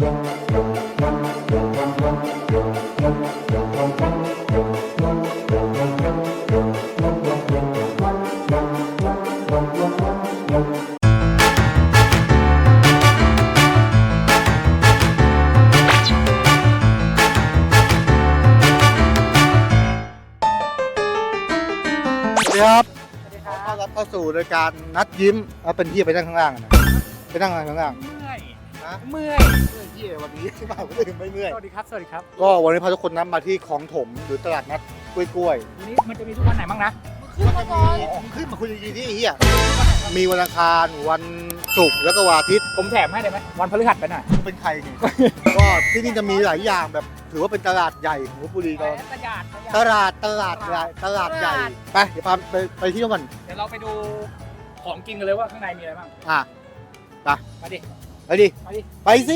ครับขอต้อนรับเข้าสู่รายการนัดยิ้มเอาเป็นที่ไปนั่งข้างล่างนะไปนั่งข้างล่างเมื่อยนะเมื่อยที่วันนี้มาไม่ถึงไม่เมื่อยสวัสดีครับ สวัสดีครับก็วันนี้พาทุกคนนัดมาที่คลองถมหรือตลาดนัดกล้วยวันนี้มันจะมีทุกวันไหนบ้างนะขึ้นมาก่อนขึ้นมาคุยดีๆที่เฮียมีวันอังคารวันศุกร์แล้วก็วันอาทิตย์ผมแถมให้ได้ไหม วันพฤหัสไปหน่อยเป็นใครนี่ ก็ที่นี่จะมีหลายอย่างแบบถือว่าเป็นตลาดใหญ่ของลพบุรีตอนตลาดตลาดใหญ่ไปเดี๋ยวพาไปที่นู่นก่อนเดี๋ยวเราไปดูของกินกันเลยว่าข้างในมีอะไรบ้างอ่ะไปมาดิไปดิมาดิไปสิ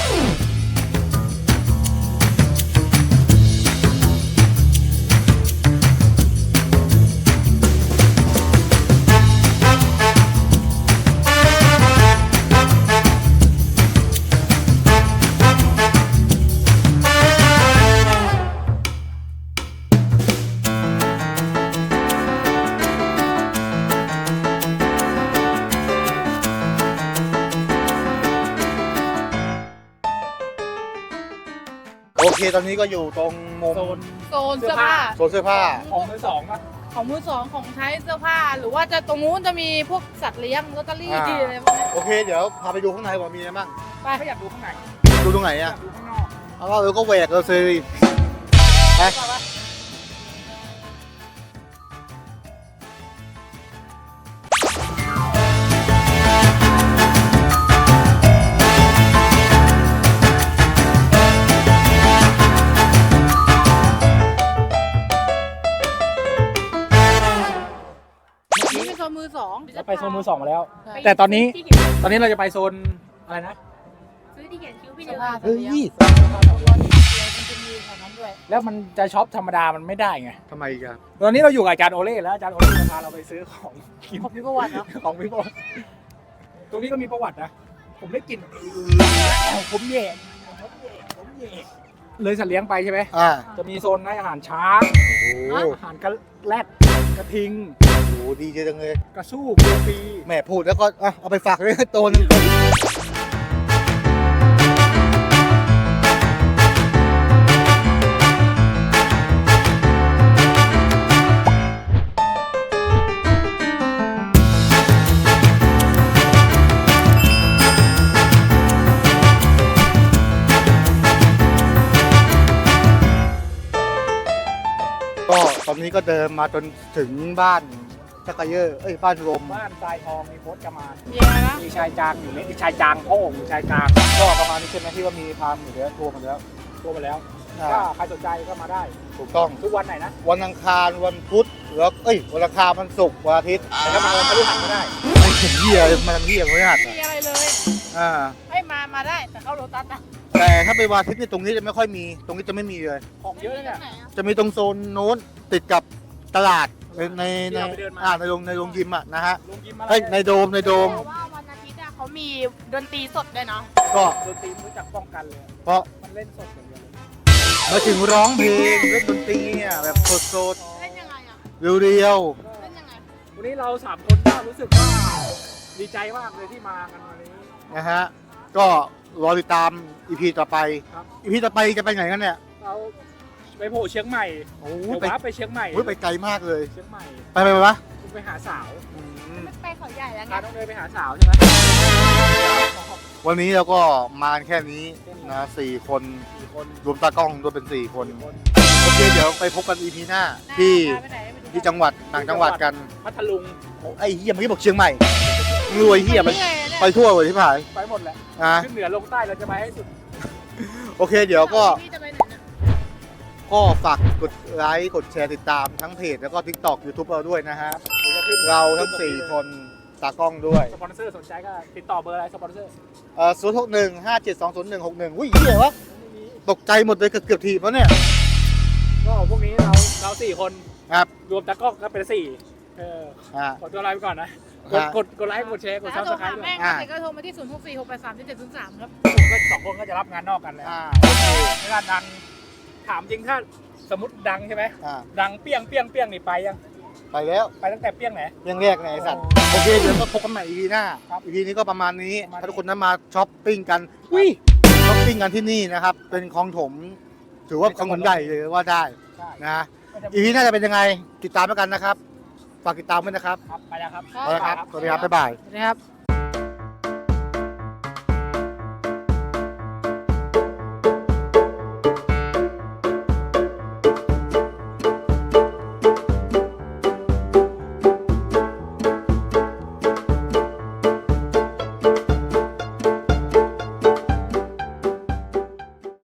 โอเคตอนนี้ก็อยู่ตรงมุมโซนโซนเสื้อผ้าโซนเสื้อผ้าของมือสองป่ะของมือสองของใช้เสื้อผ้า หรือว่าจะตรงนู้นจะมีพวกสัตว์เลี้ยงลอตเตอรี่อ่าอะไรพวกนี้โอเคเดี๋ยวพาไปดูข้างในว่ามีอะไรบ้างไปถ้าอยากดูข้างในดูตรงไหนอยาอ่ะกดูข้างนอกเอาว่าก็แหวกเราซื้อไปนี่เป็นโซนมือสองเราไปโซนมือสองมาแล้วใช่แต่ตอนนี้เราจะไปโซนอะไรนะซื้อที่เขียนคิ้วพี่เสื้เดีอยวผ้าเฮ้ยมันจะมีแถวนั้นด้วยแล้วมันจะช็อปธรรมดามันไม่ได้ไงทำไมกันตอนนี้เราอยู่กับอาจารย์โอเล่แล้วอาจารย์โอเล่จะพาเราไปซื้อของกินของพี่ประวัติเนาะของพี่บอลตรงนี้ก็มีประวัตินะ ผมได้กลิ่นผมแย่เลยสัตว์เลี้ยงไปใช่ไหมอ่าจะมีโซนให้อาหารช้างโอ้โหอาหารกระแรดกระทิงโหดีจังเลยกระสู้เกลือปีแหม่พูดแล้วก็อ่ะเอาไปฝากเลยตัวนึงก็ตอนนี้ก็เดินมาจนถึงบ้านชักกะเยอร์บ้านรวมบ้านทรายทองมีโพสต์กระมานมีอะไรนะมีชายจางอยู่เล็กมีชายจางโอ้มีชายจางก็ประมาณนี้ใช่ไหมที่ว่ามีพามอยู่แล้วทัวร์มาแล้วตัวมาแล้วอ่าก็ใครสนใจก็มาได้ถูกต้องทุกวันไหนนะวันอังคารวันพุธแล้ววันอังคารวันศุกร์วันอาทิตย์แต่ก็มาวันพฤหัสก็ได้ไม่เห็นเหี้ยมาทำเหี้ยไม่หัดไม่มีอะไรเลยอ่าให้มาได้แต่เข้าโรตัสนะแต่ถ้าไปวันอาทิตย์เนี่ยตรงนี้จะไม่ค่อยมี ตรงนี้จะไม่มีเลยของเยอะเนี่ยไหนอะจะมีตรงโซนโน้นติดกับตลาดในที่เราไปเดินมาในโรงยิมอ่ะนะฮะลงยิมอะไรในโดมแต่ว่าวันอาทิตย์อะเขามีดนตรีสดด้วยเนาะก็ดนตรีรู้จักป้องกันเลยเพราะมันเล่นสดอย่างเดียวเลยมาถึงร้องเพลงเล่นดนตรีเนี่ยแบบสดเล่นยังไงอะๆเรียวเล่นยังไงวันนี้เราสามคนก็รู้สึกว่าดีใจมากเลยที่มากันวันนี้ๆนะฮะก็รอติดตามอีพีต่อไปครับอีพีต่อไปจะไปไหนกันเนี่ยเราไปโผล่เชียงใหม่โอ้เดี๋ยวไปว้าไปเชียงใหม่ไปไกลมากเลยเชียงใหม่ไปวะคุณไปหาสาวอืมไม่ไปเขาใหญ่แล้วไงพาน้องเนยไปหาสาวใช่ไหมวันนี้เราก็มากันแค่นี้นะ4 คนสี่คนรวมตากล้องด้วยเป็น4 คนสี่คนโอเคเดี๋ยวไปพบกันอีพีหน้าที่ไปไหนไปดูที่จังหวัดต่างจังหวัดกันพัทลุงไอ้เฮียเมื่อกี้บอกเชียงใหม่รวยเฮียไปเรื่อยๆเนี่ยไปทั่วเลยที่ผ่านไปหมดแหละนะขึ้นเหนือลงใต้เราจะไปให้สุดโอเคเดี๋ยวก็พี่จะไปไหนนะก็ฝากกดไลค์กดแชร์ติดตามทั้งเพจแล้วก็ TikTok YouTube เราด้วยนะฮะเดี๋ยวจะขึ้นเราทั้ง4 คนตากล้องด้วยสปอนเซอร์สนใจก็ติดต่อเบอร์อะไรสปอนเซอร์ 061 5720161อุ้ยเฮียวะตกใจหมดเลยเกือบทีมแล้วเนี่ยก็พวกนี้เราสี่คนครับรวมตากล้องก็เป็นสี่อ่าขอตัวลาไปก่อนนะ กดไลค์กดแชร์กดแต่ซัถ้าบโทสรไครหาต์ด้วยแม่ก็โทรมาที่ 0646837703 ครับผมก็2 คนก็จะรับงานนอกกันแล้วโอเคเวลาดังถามจริงถ้าสมมติดังใช่ไหมอ่าดังเปี้ยงนี่ไปยังไปแล้วไปตั้งแต่เปี้ยงไหนเรื่องแรกในไอ้สัตว์โอเคเดี๋ยวก็พบกันใหม่ EP หน้าครับ EP นี้ก็ประมาณนี้ประมาณนี้ถ้าทุกคนนั้นมาช้อปปิ้งกันอุ้ยช้อปปิ้งกันที่นี่นะครับ เป็นคลองถม ถือว่าคลองถมใหญ่เลยว่าได้ใช่นะ EP หน้าจะเป็นยังไงติดตามแล้วกันนะครับฝากติดตามด้วยนะครับครับไปแล้วครับไปแล้วครับสวัสดีครับบ๊ายบายสวัสดีครับ